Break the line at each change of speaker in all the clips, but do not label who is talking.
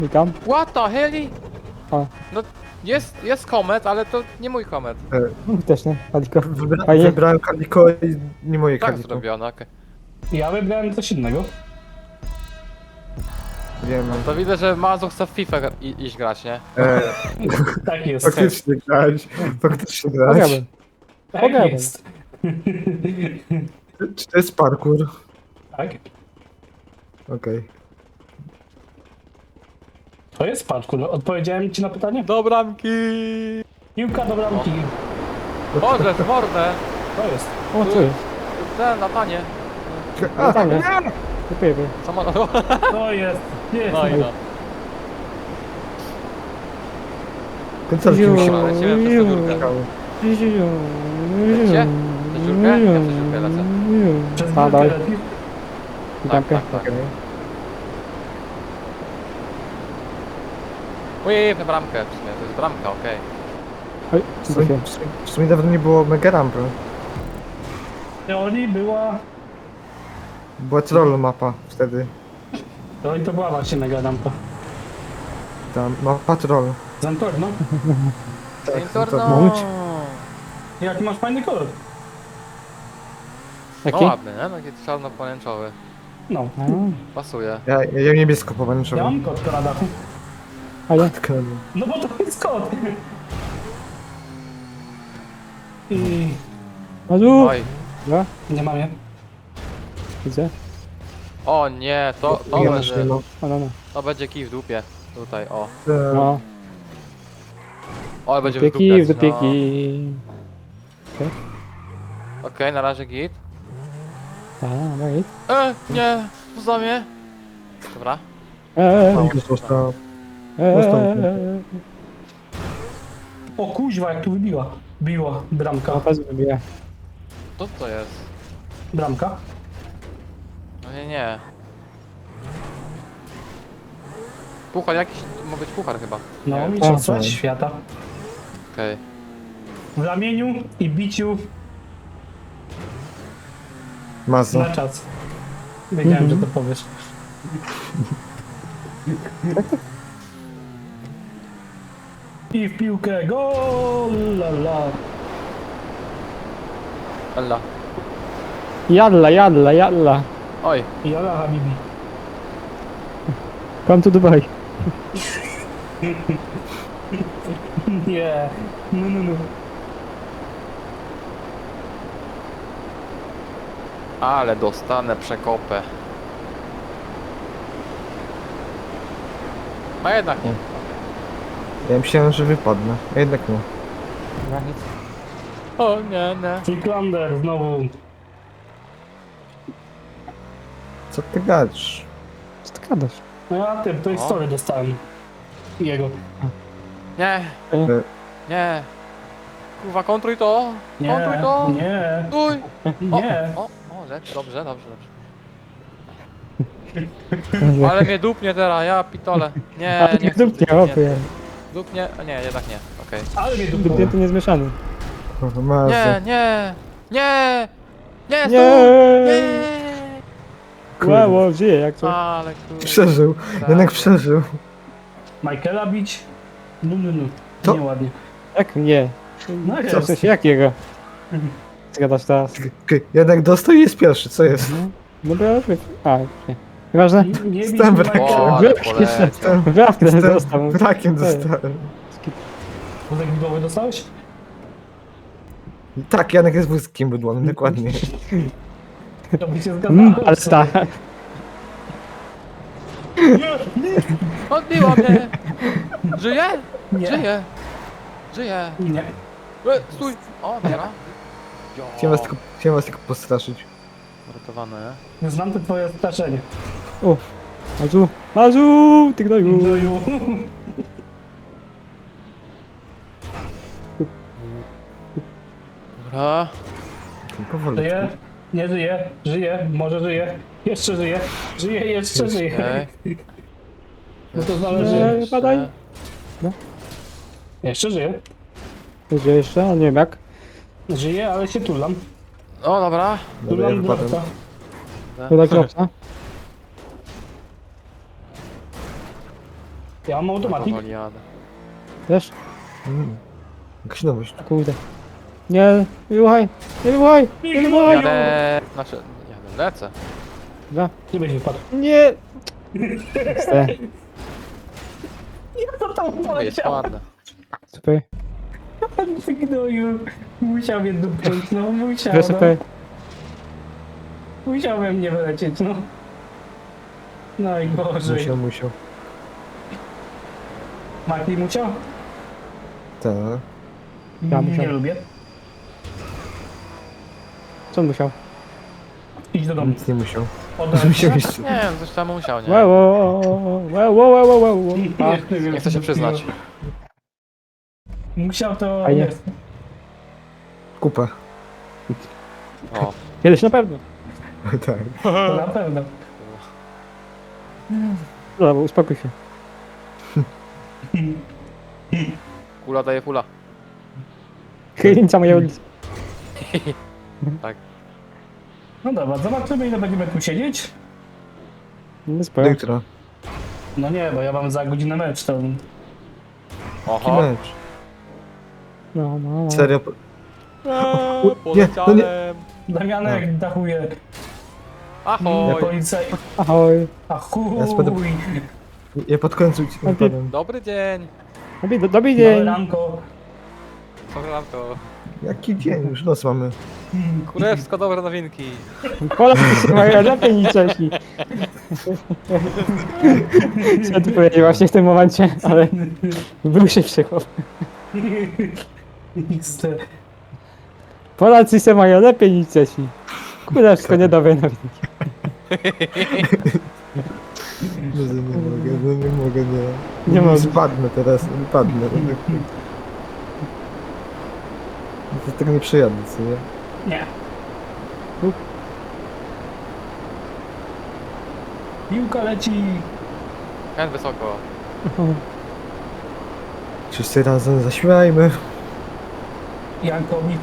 Witam.
What the hell?
O,
No jest komet, ale to nie mój komet.
też nie, Aliko. Fajnie.
Wybrałem Kaliko i nie moje
Tak
Kaliko.
zrobione, okej.
Ja wybrałem coś innego.
Wiem.
To widzę, że Mazu chce w FIFA iść grać, nie?
Tak jest.
Faktycznie grać. Faktycznie grać.
Pograłbym.
Tak
Pograłem.
jest.
Czy to jest parkour?
Tak.
Okej.
To jest parkour. Odpowiedziałem ci na pytanie?
Do bramki!
Piłka do bramki.
Boże, w mordę!
To jest.
O, co jest?
Ten, latanie.
No tam jest. Kupię.
Samolot.
To jest. Jest.
No i no.
Końcówki mi się
Dobra, lecimy przez tę dziurkę.
wykały.
Lecicie? Przez dziurkę? Ja przez dziurkę lecę.
Przez
Spadaj.
górkę leci.
Tak,
Witamkę.
tak, tak.
Okej.
Ujej, w bramkę w sumie, to jest bramka, okej.
Oj,
W sumie dawno nie było mega rampy.
W teorii była...
Była troll mapa wtedy.
No i to była właśnie mega rampa.
Tam mapa troll.
Zantorno.
Intorno!
Mówić?
Jaki masz fajny kolor.
No
Jaki?
ładny, nie? Taki czarno-pomarańczowy.
No.
Pasuje.
Ja niebiesko
Ja
pomarańczowy.
mam kot na dachu.
A ja?
No bo to jest kot. I...
Mazu!
Oj.
Dwa?
Nie mam je.
Widzę.
O nie, to
Ja
będzie,
też nie mam.
O, no, no.
to będzie kij w dupie. Tutaj, o.
No.
O, będzie w
Dopieki,
dupie.
w dopieki.
Okej, na razie git.
A, no i?
Nie, poza mnie. Dobra.
Już został.
O kuźwa, jak tu wybiła. Biła. Bramka.
Pas wybija.
Co to jest?
Bramka.
No nie. Puchar jakiś, to ma być puchar chyba.
No,
Nie,
mistrzostwa
tak.
świata.
okej.
W ramieniu i biciu
Mazo.
na czas. Wiedziałem, że to powiesz. I w piłkę, gol! La, la.
Ella.
Jadla, jadla, jadla.
Oj,
Jala Habibi.
Come to Dubai.
Nie. No, no, no.
ale dostanę przekopę. A jednak nie.
Ja myślałem, że wypadnę. A jednak nie.
O nie, nie.
Freaklander znowu.
Co ty gadasz?
Co ty gadasz?
No ja tym, to jest
O.
story dostałem. Jego.
Nie, nie. Kurwa, kontruj to.
Nie,
Kontruj to.
nie,
Stój. O,
nie.
O, lecz, dobrze, dobrze, dobrze. Ale mnie dupnie teraz, ja pitole. Nie,
Ale
nie
nie
chcę
dupnie,
tych
opie.
Dupnie, a nie, jednak nie, okej.
Ale mnie
Dupnie
dupło.
to niezmieszany.
Mazo.
Nie, nie, nie, nie, stój,
Nie!
nie.
Wow, żyje jak co.
Ale kurde.
Przeżył. Jednak przeżył.
Michaela bić. No, no, no.
To-
Nieładnie.
Jak nie?
No
Co w
jest.
sensie jakiego? Zgadasz teraz?
Jednak dostał i jest pierwszy, co jest?
No bo ja... A, nie. Nieważne.
Nie bić
Jestem wrakiem.
Michaela.
O, ale
Brak
poleciał.
Jestem,
Brawkę
jestem
dostał.
brakiem dostałem.
Wózek widłowy dostałeś?
Tak, Janek jest wózkiem bydłonym, dokładnie.
To by się zgadzało.
Ale tak.
Odbiła mnie. Żyje?
Nie.
Żyje. Żyje.
Nie.
Stój. O, dobra.
Chciałem was tylko postraszyć.
Uratowane.
Znam to twoje straszenie.
O, Mazu, Mazu, ty gnoju.
Gnoju.
Dobra.
Powoli.
Żyje? Nie żyje? Żyje? Może żyje? Jeszcze żyje? Żyje, jeszcze żyje.
Okej.
No to zależy.
Nie, badaj.
Jeszcze żyje.
Gdzie jeszcze? Ale nie wiem jak.
Żyje, ale się tulam.
O, dobra.
Dobra, ja
Tulam
wypadłem.
dropsa.
To tak robca.
Ja mam automatik.
Powoli jadę.
Też?
Jakaś nowość.
Kurde. Nie, nie wybuchaj! Nie wybuchaj! Nie wybuchaj!
Jadę... Znaczy... Jadę, lecę.
Dobra.
Nie będzie wypadł.
Nie! Ste.
Ja to tam
No jest
poleciał.
ładne.
Super.
Ty gnoju. Musiał mnie dupnąć, no musiał,
Że super.
no. Musiał we mnie wylecieć, no. Najgorzej.
Musiał.
Mati musiał?
Tak.
Ja musiał.
Nie lubię.
Co on musiał?
Idź do domu.
Nic nie musiał.
Oddaj
Musiał
się.
jeszcze.
Nie wiem, coś tam musiał, nie?
Wow, wow, wow, wow, wow, wow, wow. A,
Nie chcę się przyznać.
Musiał to...
Fajnie.
Jest.
Kupę.
O,
kiedyś na pewno.
Tak.
To na pewno.
Dobra, uspokój się.
kula daje pula.
Chylińca moja ulica.
Tak.
No dobra, zobaczymy ile będziemy tu siedzieć.
No
Do
spoko.
jutra.
No nie, bo ja mam za godzinę mecz, to...
Jaki
Oho.
mecz?
No, no, no.
Serio?
Eee,
nie.
poleciałem.
Damianek dachuje.
Ahoj.
Policja...
Ahoj.
A chuj.
Ja spadam. Ja pod końcu ci
Najpierw-
wypadłem.
Dobry dzień.
Dobry
Dobre
dzień.
ranko.
Programko.
Jaki dzień? Już noc mamy.
Kurewsko dobre nowinki.
Polacy mają lepiej niż Czesi. Co tu powiedzieć właśnie w tym momencie, ale był się przechop.
XD.
Polacy se mają lepiej niż Czesi. Kurewsko niedobre nowinki.
Nie mogę, nie.
Nie mogę.
Spadnę teraz, wypadnę. To tego nie przejadę, co nie?
Nie. Piłka leci.
Hen wysoko.
Wszyscy razem zaśmiajmy.
Jankowi.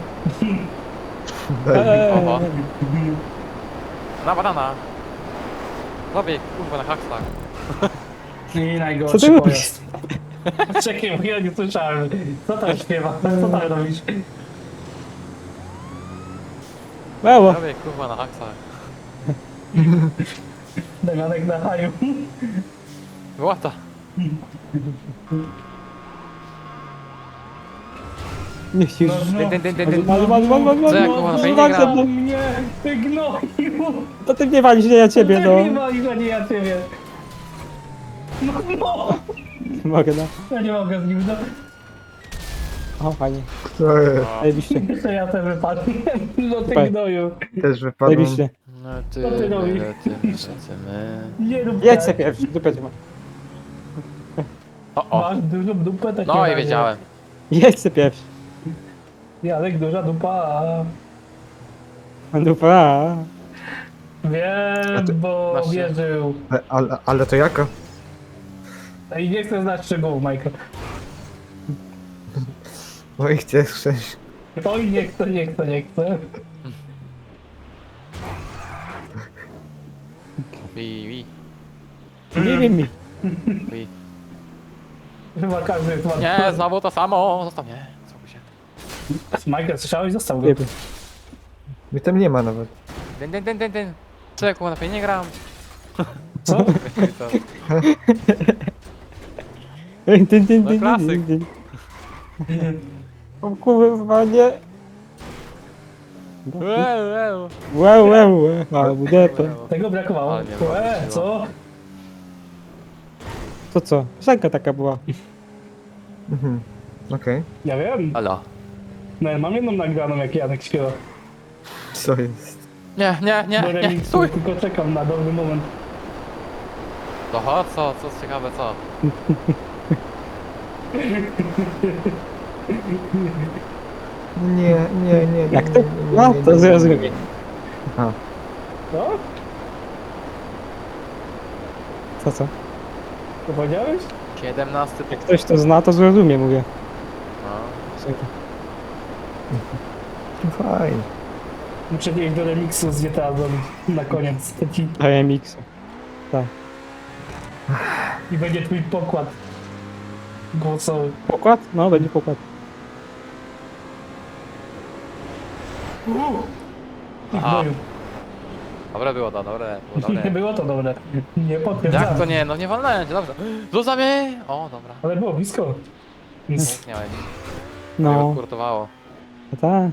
Daj.
Oho. Na banana. Zrobię kurwa na haksach.
I
Co
najgorszy
ty robisz?
pojazd. Czekaj, bo ja nie słyszałem. Co tam śpiewa? Co tam robisz?
Mało.
Zrobię kurwa na haksach.
Damianek na haju.
Łata.
Nie chcisz.
No,
Dyn, dyn, dyn, dyn.
Malu.
Co ja kurwa na fejnie gram?
mnie, ty gnoju.
To ty nie walisz, nie ja ciebie,
Ty
no.
nie walisz, a nie ja ciebie. No.
Mogę, no.
Ja nie mogę z nim, no.
O, fajnie.
To jest.
Zajebiście.
Jeszcze ja też wypadłem. No ty
Super.
gnoju.
Też wypadłem.
Zajebiście.
No ty,
Co ty robisz?
lecimy.
Nie rób
Jedź
tak.
se pierwszy, dupę cię ma.
O, o.
Masz dużą dupę, takie
No i
razie.
wiedziałem.
Jedź se pierwszy.
Janek, duża dupa.
Dupa.
Wiem, bo
masz się.
wierzył.
Ale to jaka?
I nie chcę znać szczegółów, Michael.
No i chcesz.
Oj, nie chcę.
Wi.
Nie wiem mi.
Chyba każdy jest ładny.
Nie, znowu to samo. Zostaw mnie. Spokój się.
Michael, słyszałeś? Został go.
Nie wiem.
Mnie tam nie ma nawet.
Dyn. Co ja kurwa na fejnie gram?
Co?
No klasyk.
O kurwa, nie.
Łeł.
Wow, ale budepę.
Tego brakowało.
Ale mnie wróciło.
Co?
To co? Piosenka taka była.
Mhm. Okej.
Ja wiem.
Halo.
No, mam jedną nagraną, jak Janek śpiewa.
Co jest?
Nie,
Do remixu,
stój.
tylko czekam na dobry moment.
Oho, co ciekawe, co?
Nie.
Jak ty?
nie,
No,
nie,
to
nie,
zrozumiem.
nie. A,
Co?
Co?
Co powiedziałeś?
17
Jak
punkt.
ktoś to zna, to zrozumie, mówię.
No.
Piosenka.
fajnie.
Muszę iść do remixu z GTA zrobić na koniec.
RMX. Tak.
I będzie twój pokład. głosowy.
Pokład? No, będzie pokład.
Aha.
Gnoju.
Dobre było to, dobre, było
Nie
dobre.
było to dobre. Nie
Jak to
potwierdzam.
nie? No nie walnąłem cię, dobrze. Zostaw mnie! O, dobra.
Ale było blisko. Więc,
Punkt miałeś.
No,
No. Kurtowało.
tak.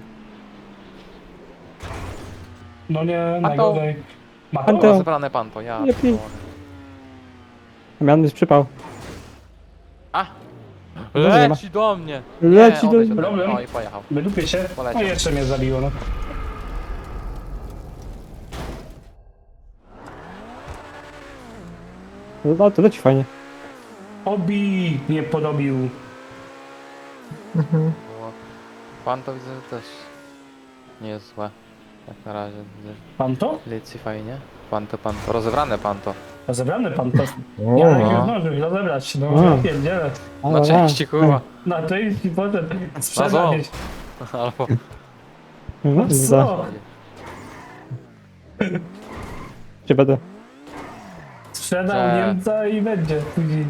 no nie,
A to-
najgorzej. Ma
A to-
Dobra, zebrane pan to, ja.
Nie pi-
pierdolę.
Miany jest przypał.
A!
Dobra, nie ma.
Leci do mnie!
Leci
Nie,
do-
odejdź ode mnie.
Problem.
O i pojechał.
Wydupię się.
Poleciał.
No jeszcze mnie zabiło, no.
No, to leci fajnie.
Obi nie podobił.
Mhm.
Było. Pan to widzę, że też nie jest złe. Jak na razie widzę.
Pan to?
Licji fajnie. Pan to. Rozebrane pan to.
Rozebrany pan to.
O,
Ja
no.
nie zdążył rozebrać, no
O.
ja pierdzielę.
Ale,
Na części kurwa.
Na to i potem
Na
sprzedać.
ząb. Albo...
No, za.
Co?
Czy będę?
Sprzedał
Że-
Niemca i będzie później.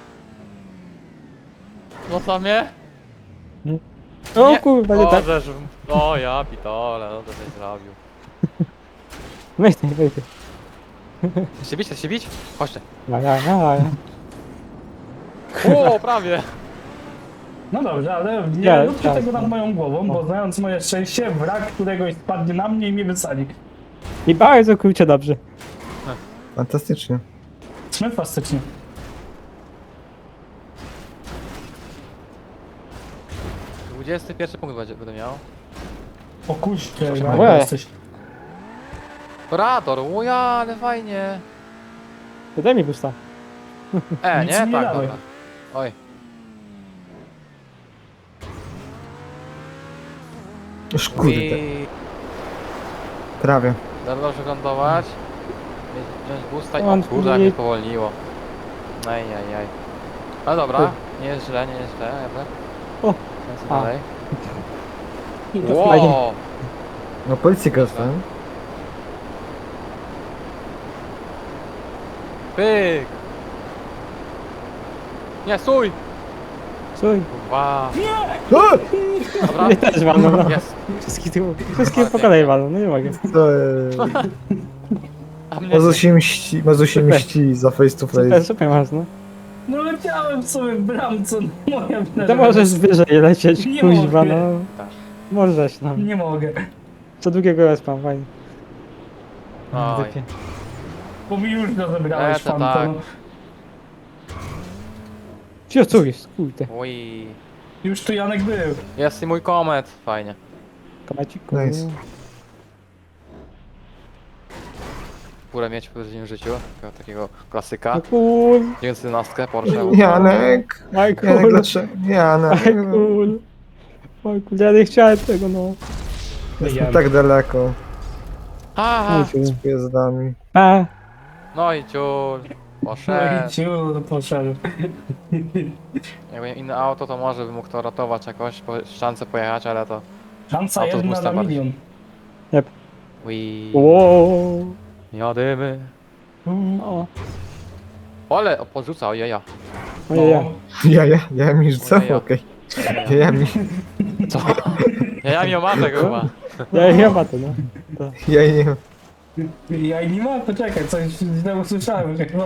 Zostaw mnie?
O
Nie.
kurwa, nie
O,
tak.
żeż... O ja pitole, no to coś zrobił.
Weź.
Chcesz się bić? Chodźcie.
Ja.
O, prawie.
No dobrze, ale nie
Nie,
róbcie
tak,
tego
no.
nad moją głową, bo znając moje szczęście, wrak któregoś spadnie na mnie i mnie wysali.
I bardzo kurczę dobrze.
fantastycznie.
Fantastycznie.
Yy, 21 punkt będę miał.
O kuźcie,
Proszę
jak
bardzo.
jesteś.
Rador, uja, ale fajnie.
Daj mi pusta.
Nie?
Nic mi nie
Tak,
dałeś.
dobra. Oj.
Już kurde,
I...
prawie.
Dobrze lądować. Wziąć boosta i... O
On
kurde, jak
nie-
mnie powolniło. Ajajaj. No dobra, nie jest źle, jadę.
O.
Lecę
A.
dalej.
I to
Wow!
No policji dostałem.
Pyk! Nie, stój!
Słuchaj,
Kurwa!
O!
Dobra,
mnie też walną, no.
jest.
Wszystkie po kolei walną, no nie mogę.
To,
A mnie...
Mazusie mści za face to
Super,
face.
super masz, no.
No leciałem sobie w bramce, no moja wina,
To
że-
możesz wyżej lecieć,
Nie
kuźwa,
mogę.
no.
Tak.
Możesz, no.
Nie mogę,
Co długiego respam, fajnie.
Oj.
Typie.
bo mi już rozebrałeś
Lecę,
pan
tak.
to. No.
Cio, co jest? Kurde.
Ui.
Już tu Janek był.
Jest i mój komet. Fajnie.
Kamaciku.
Nice.
Górę mieć w codziennym życiu. Takiego klasyka.
No cool.
911 Porsche.
Janek! Janek,
Michael.
dlaczego? Janek!
Michael. Michael, ja nie chciałem tego, no.
Jestem tak daleko.
Aha!
Z pojazdami.
A,
No i ciul.
No
Poszedł.
i ciul poszedł.
Jakby inne auto, to może bym mógł to ratować jakoś, po ściance pojechać, ale to...
Szansa
Auto z
jedna na
Mustangiem.
milion.
Ui.
wow.
Jadymy.
O,
Ale podrzuca, ojeja.
ojej, ja.
Ja mi rzucę?
Ojej.
Okej. Ja mi.
Co? Ja mi omatek chyba.
Ja ma to, no.
Ja nie.
Ja i nie ma, poczekaj, coś źle usłyszałem chyba.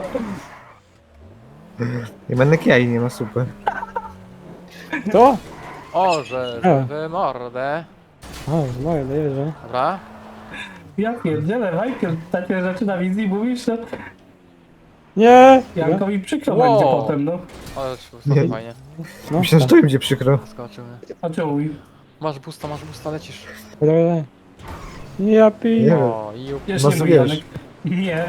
Ja będę jaj nie ma super.
To?
O, że w mordę.
O, moje, dojeżdżę.
Dobra.
Ja pierdzielę, Michael, takie rzeczy na wizji mówisz, to
Nie!
Jankowi przykro
Wow.
będzie potem, no.
Ale
Nie.
fajnie.
No,
Myślę, że to im będzie przykro.
Skoczył mnie.
A czemu?
Masz busta, lecisz.
Dobra. Ja piję.
Nie.
O, i up.
Jeszcze nie
Masz
mój
wiesz.
Janek. Nie.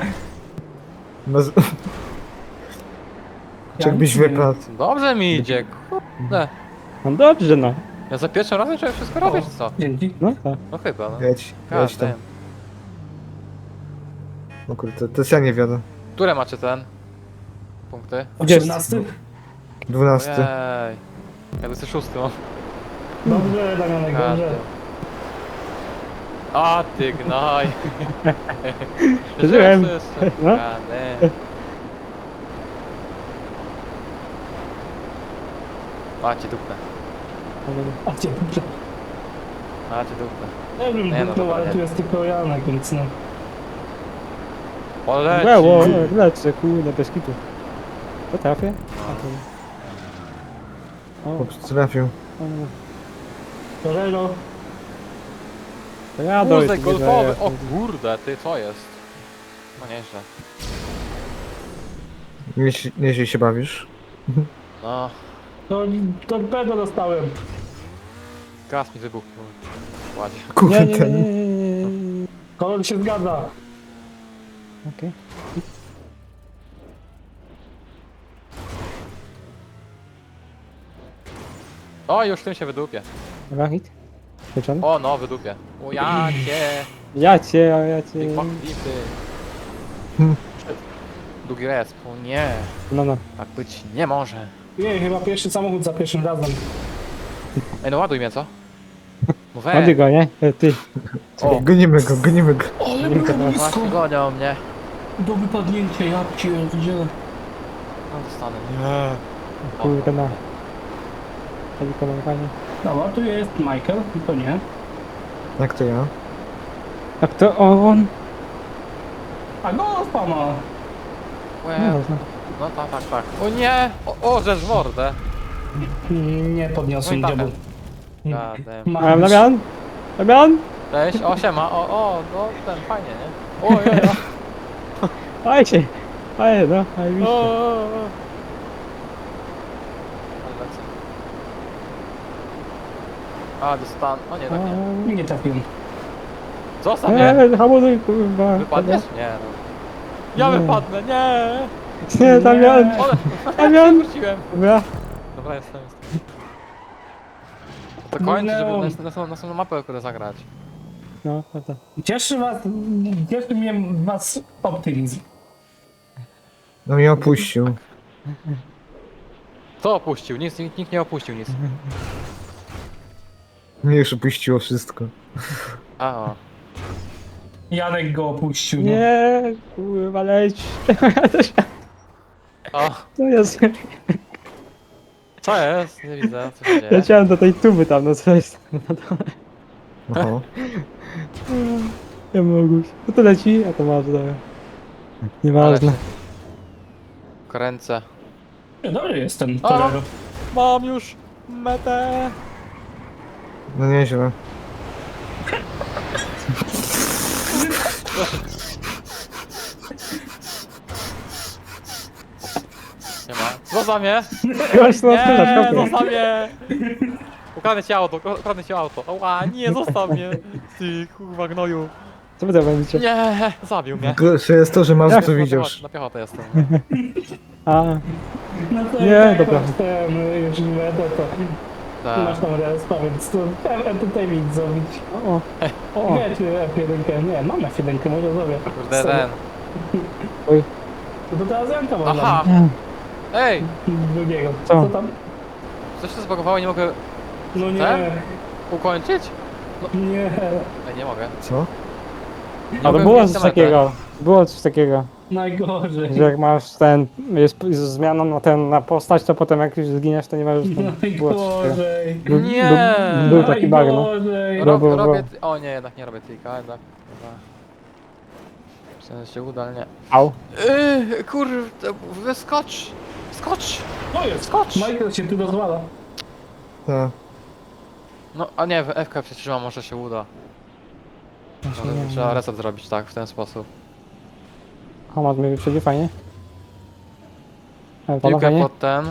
Jakbyś wypadł.
Dobrze mi idzie, kurde.
No dobrze, no.
Ja za pierwszym razem trzeba wszystko robić, czy co?
Dzięki.
No tak.
No chyba, no.
Jedź tam.
Każdy.
No kurde, to jest ja nie wiadomo.
Które macie ten? Punkty?
18?
12.
Ojej. Ja jestem szósty, no.
Dobrze, Damianek,
Każdy.
dobrze.
A ty gnaj.
Żyłem.
Jeszcze.
No.
Gadem. A cię dupnę.
A cię
A cię dupnę.
nie wiem,
Nie, no
dupnął,
dobra,
ale
nie.
tu jest tylko Janek, więc no.
Poleci!
Było, lecę, kurde, bez kitu. To trafię? O,
Chłop trafił.
Torero,
to ja dojdę.
Wózek golfowy! O kurde, ty co jest? No nieźle.
Nieźle się bawisz.
No,
to torpedo dostałem.
gaz mi wybuchnął. Ładnie.
Nie,
Kurde,
nie, nie, nie, nie, nie.
Kolor się zgadza.
Okej.
O, już tym się wydupię.
Dobra, hit. Pieczony?
O, no, wydupię. O, ja cię!
Ja cię, a ja cię.
Ty kwapity.
Hmm.
Długi resp. O nie,
No, no.
tak być nie może.
Nie, chyba pierwszy samochód za pierwszym razem.
Ej, no ładuj mnie, co? No
Ładny go, nie? Ty.
O,
Gonimy go, gonimy go.
Ale
było
właśnie gonią mnie.
do wypadnięcia, ja pierdzielę.
No, dostanę. Nie.
Kurde, na. Helikolowanie.
Dobra, tu jest Michael, to nie.
Jak to ja?
A kto on?
A go spama.
Łe.
No, no.
No tak, tak, tak. O nie! O, żeż w mordę.
Nie podniosłem
No i
diabł.
Gadem.
A Damian? Damian?
Cześć, o siema, o, no ten fajnie, nie? O, ja.
Aj się. Aj, no, aj,
O,
widzicie.
Ale lecę. A, dostan... O nie, tak nie.
Nie trafiłem.
Zostaw mnie!
Hamuj, kurwa.
Wypadniesz? Nie, no. Ja
Nie.
wypadnę, nie!
Nie, Damian.
Ole,
Damian.
wróciłem.
Dobra.
Dobra, jestem. To kończy, żeby
Minęło.
na następną mapę kurde zagrać.
No, prawda.
Cieszy mnie was optymizm.
No mnie opuścił.
Kto opuścił? Nikt nie opuścił nic.
Mnie już opuściło wszystko.
A, o.
Janek go opuścił. No.
Nie, kurwa, leć.
O,
To jest.
co jest? Nie widzę, co się dzieje.
Leciałem do tej tuby tam, no co jest na dole.
Oho.
Ja mogę. No to leci, a to masz, dobra. Nieważne.
Kręcę.
Dobry jest ten
O!
Torero.
Mam już metę!
No nieźle.
Nie ma. Zostaw mnie!
Gość no
Nie,
skrzydlasz,
zostaw mnie! Ukradnę ci auto, ukradnę ci auto. Oła, nie, zostaw mnie! Ty, kurwa gnoju.
Co wy tam robicie?
Nie, zabił mnie.
Gorsze jest to, że masz
Jak?
to widzisz.
Na piechotę jestem.
A,
No to
Nie,
jak
dobra.
masz ten już metę, to masz
Tak.
tam respa, więc to entertainment zrobić.
o, o.
Nie, czy F1, nie, mam F1, może zrobię.
Kurde, ten.
To teraz Janka mam
Aha!
Nie.
Ej!
drugiego.
Co?
Co tam?
Coś się zbagowało, nie mogę
No nie,
Ten? ukończyć?
nie.
Ej, nie mogę.
Co?
Nie
A to
mogę
było
wbić
coś
na metę.
takiego. Było coś takiego,
Najgorzej.
że jak masz ten, jest z zmianą na postać, to potem jak już zginiesz, to nie masz już tam, było coś takiego.
Najgorzej.
Nie.
Był taki bug, no.
Najgorzej.
Ro- Było,
Robię... O nie, jednak nie robię trika, jednak. Dobra. Myślałem, że się uda, ale nie.
Au.
Kurde, wyskocz! Skocz!
To jest.
Skocz!
Michael się tu rozwala.
Tak.
No, a nie, FK przytrzymam, może się uda. Może trzeba reset zrobić tak, w ten sposób.
Hamas mnie wyprzedzi, fajnie. Ale to
Piłkę
fajnie.
pod ten.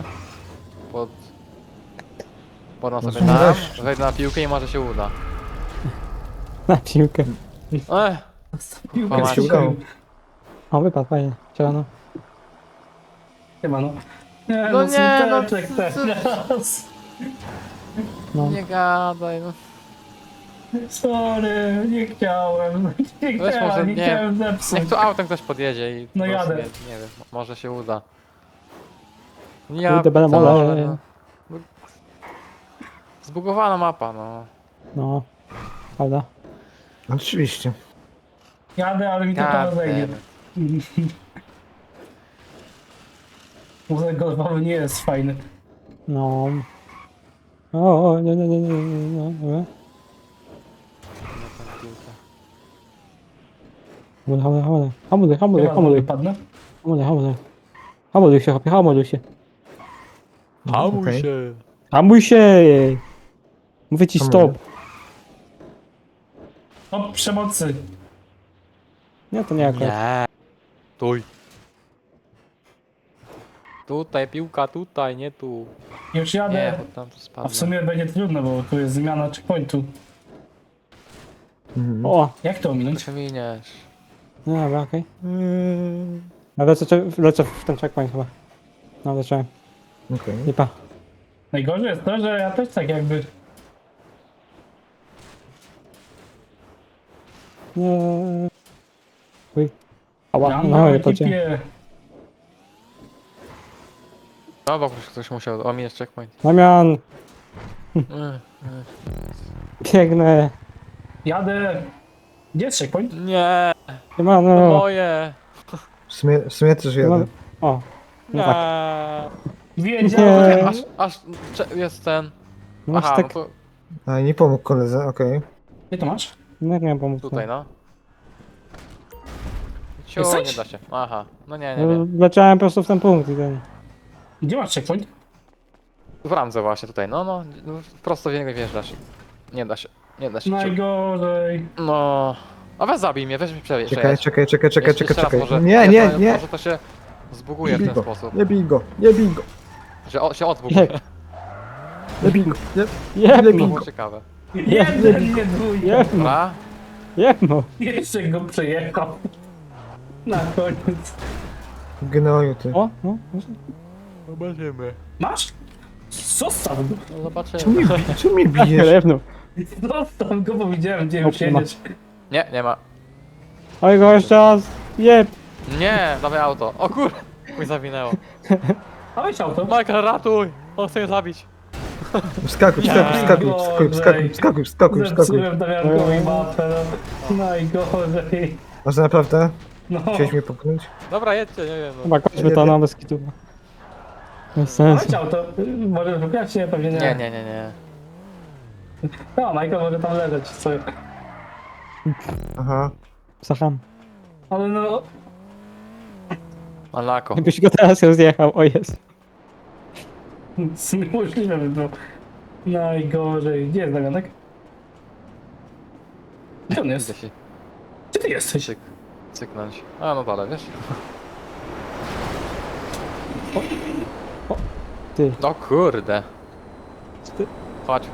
Podam
No
sobie
są
tam,
wreszcie.
wejdę na piłkę i może się uda.
Na piłkę.
Piłkę
Jak
się
strzelił.
udało.
O, wypadł, fajnie. Cielano.
Chyba no. Nie,
No nie, no,
smuteczek teraz.
No.
Nie gadaj, no.
Sorry, nie chciałem. Nie
Weź może
chciałem, nie
nie.
chciałem zepsuć.
Niech tu autem ktoś podjedzie i
No
po prostu
jadę.
Nie wiem, może się uda.
Kurde, będę wolał.
no. Zbugowana mapa, no.
No. Prawda?
Oczywiście.
Jadę, ale mi to
Ja
teraz zajmie.
wiem.
Wózek golfowy nie jest fajny.
No. O, nie, nie, nie, nie, nie, nie.
Na tę piłkę.
Hamuluj.
Chyba wypadnę.
Hamuluj się, chłopie, hamuluj się.
Hamuj
Okej.
się!
Hamuj się! Mówię ci
Hamuję.
stop.
O, przemocy.
Nie, to nie akurat.
Nie! Tuj! Tutaj, piłka tutaj, nie tu.
Już
Nie,
jadę.
bo tam to
A w
spadnie.
sumie będzie trudno, bo tu jest zmiana checkpointu.
Mhm.
O,
Jak to
To
ominąć?
się miniesz.
no dobra, okej. Ja lecę w ten checkpoint chyba. No, leciałem.
Okej.
Lipa.
Najgorzej jest to, że ja też tak jakby...
Nie. Uj. Ała,
Mam
no
na
nie pocie.
ekipie.
No bo ktoś musiał ominąć checkpoint.
Damian,
Mm,
biegnę.
Jadę. Gdzie jest checkpoint?
Nie! To
Siemano.
moje!
W sumie też jadę.
O, no
Nie!
tak.
Wiedziałem.
Nie.
Aż jest ten.
No masz
Aha,
tak,
no to
A nie pomógł koledze, okej.
Gdzie to masz?
no jak miałem pomóc.
tutaj no. Ciu,
Jesteś?
nie da się. Aha, no nie.
Leciałem po prostu w ten punkt i ten.
Gdzie masz checkpoint?
W ramce właśnie tutaj, no, prosto w niego wjeżdżasz. Nie da się, ciu.
Najgorzej.
No. A weź zabij mnie, weź mi przejedź.
Czekaj.
Jeszcze raz może.
Nie.
Może to się zbuguje w
Nie
ten
bij go,
sposób.
nie bij go.
Że się odbuguje.
Nie bij go. Nie.
To
Jebno,
było ciekawe.
Jeden, nie dwójka.
jebno,
Dobra?
jebno.
Jeszcze go przejechał. Na koniec.
Gnoju ty.
O, no.
Zobaczymy.
Masz? Zostaw go.
No zobaczymy.
Czemu mnie bijesz?
Jebno.
Zostaw go, bo widziałem, gdzie już
Dobrze, ma.
jedziesz.
Nie ma.
Oj, go jeszcze raz. Jeb.
Nie, dawaj auto. O kur... Mój zawinęło.
A weź auto.
Michael, ratuj! On chce mnie zabić.
Wskakuj.
Zepsułem Damiankowi mapę. No. Najgorzej.
Może naprawdę?
No.
Chciałeś mnie popchnąć?
Dobra, jedźcie, nie wiem. No.
Chyba kończmy to na bez kitu. Bez sensu.
Weź auto. Możesz wygrać się? Pewnie nie.
Nie.
No, Michael może tam leżeć sobie.
Aha.
Sacham.
Ale no...
Malako.
Jakbyś go teraz rozjechał, o jest.
Niemożliwe by było. Najgorzej. Gdzie jest Damianek? Gdzie on
Idę
jest?
się
Gdzie ty jesteś?
cyknąć. A no dalej, wiesz?
Ty.
No kurde.
Ty.
Chodź.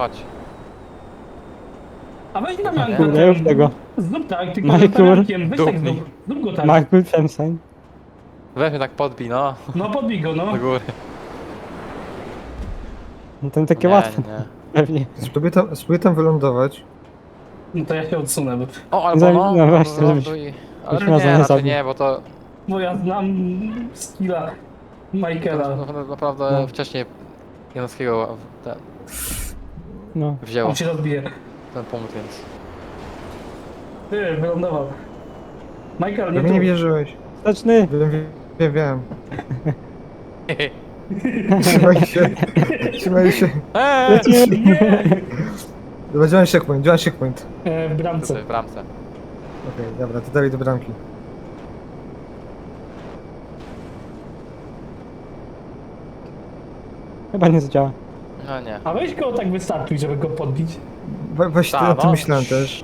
A weź Damianka.
Kurde, już tego.
Zrób tak, tylko
Michael.
z Damiankiem. Weź tak
Dupnij.
zrób. Zrób go tak.
Michael Femsen.
Weź mnie tak podbij, no.
No podbij go, no.
Do góry.
No to takie
Nie,
łatwe,
nie.
pewnie.
Spróbuję tam wylądować.
No to ja się odsunę,
O, albo
Zabi-
no,
no właśnie,
wyląduj. Ale
byśmy nas
nie,
nie
raczej
zabił.
nie, bo to
bo ja znam skilla Michaela.
naprawdę
No.
wcześniej Janowskiego
No.
wzięło
On się rozbije.
ten punkt, więc...
Ty, wylądował. Michael, nie
Wy mnie nie
tu.
wierzyłeś.
Steczny.
Wiem. Trzymaj się.
Eee!
Lecimy.
Dobra, działam checkpoint.
W bramce.
Tutaj w bramce.
Okej, dobra, to dalej do bramki.
Chyba nie zadziała.
No nie.
A weź go tak wystartuj, żeby go podbić.
Weź
Ta,
to
no.
myślałem też.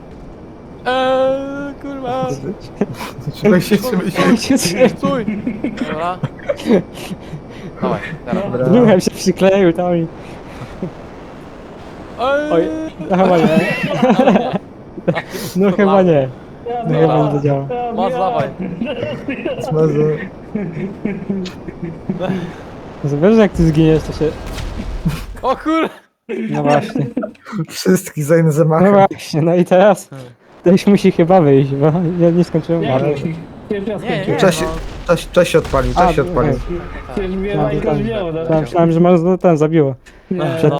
Kurwa.
Trzymaj się.
Stój! Dobra. Dawaj, teraz.
Dobra.
Druhem się przykleił tam i... Oj, no chyba nie. No chyba nie. No chyba nie zadziała.
Masz, dawaj.
Smazy.
Wiesz, jak ty zginiesz, to się...
O kur...
No właśnie.
Wszystkich za inne
No
zamachy.
właśnie, no i teraz... Ktoś musi chyba wyjść, bo ja nie skończyłem
Nie,
mapy.
pierwszy raz
Nie,
skończyłem.
Czas się odpalił,
A,
czas się odpalił.
Przecież mnie
No,
Michael wziął, no.
Myślałem, że może ten zabiło.
Nie,
Przed